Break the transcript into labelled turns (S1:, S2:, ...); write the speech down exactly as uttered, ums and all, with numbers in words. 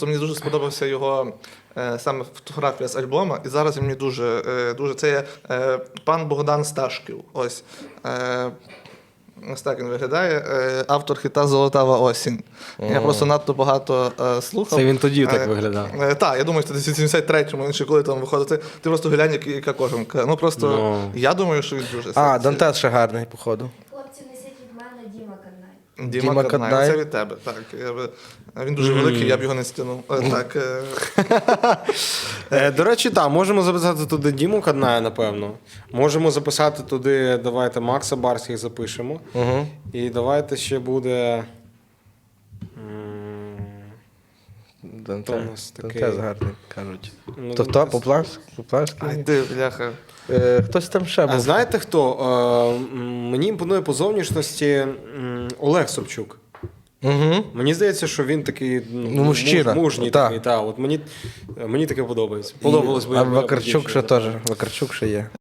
S1: То мені дуже сподобався його е, саме фотографія з альбома, і зараз він мені дуже, е, дуже це є е, пан Богдан Сташків. Ось. Е, Ось так він виглядає. Е, Автор хіта Золотава осінь. Я
S2: Ого.
S1: просто надто багато е, слухав.
S2: Це він тоді так
S1: Е,
S2: виглядав.
S1: Е, так, я думаю, що десь у сімдесят третьому, він ще коли там виходить. Ти, ти просто глянь, як- яка кожанка. Ну просто
S2: Ну.
S1: я думаю, що він дуже
S3: А,
S1: сексі.
S3: Дантес ще гарний, походу.
S4: Хлопці, несіть від мене Діма Каднай.
S1: Діма,
S3: Діма
S1: Каднай.
S3: Каднай.
S1: Це від тебе. Так, я би... Він дуже великий, я б його не стягнув. Е, Так, е,
S2: Е, До речі, так, можемо записати туди Діму Кадная, напевно. Можемо записати туди, давайте Макса Барських запишемо.
S3: Угу.
S2: І давайте ще буде. м, Хто у нас такий?
S3: Дантес гарний, кажуть.
S2: ну,
S3: То хто?
S2: Дантес.
S3: Поплавський?
S1: Ай,
S3: Поплавський?
S1: ти, бляха.
S3: Е, Хтось там ще
S2: А
S3: був.
S2: знаєте хто? Е, м, Мені імпонує по зовнішності м, Олег Собчук.
S3: Угу.
S2: Мені здається, що він такий ну,
S3: Ну, мужчина.
S2: муж- мужній
S3: Так.
S2: такий. Та, от мені, мені таке подобається. Подобалось би.
S3: А
S2: якби я був
S3: Вакарчук ще
S2: дівчиною.
S3: теж. Вакарчук ще є.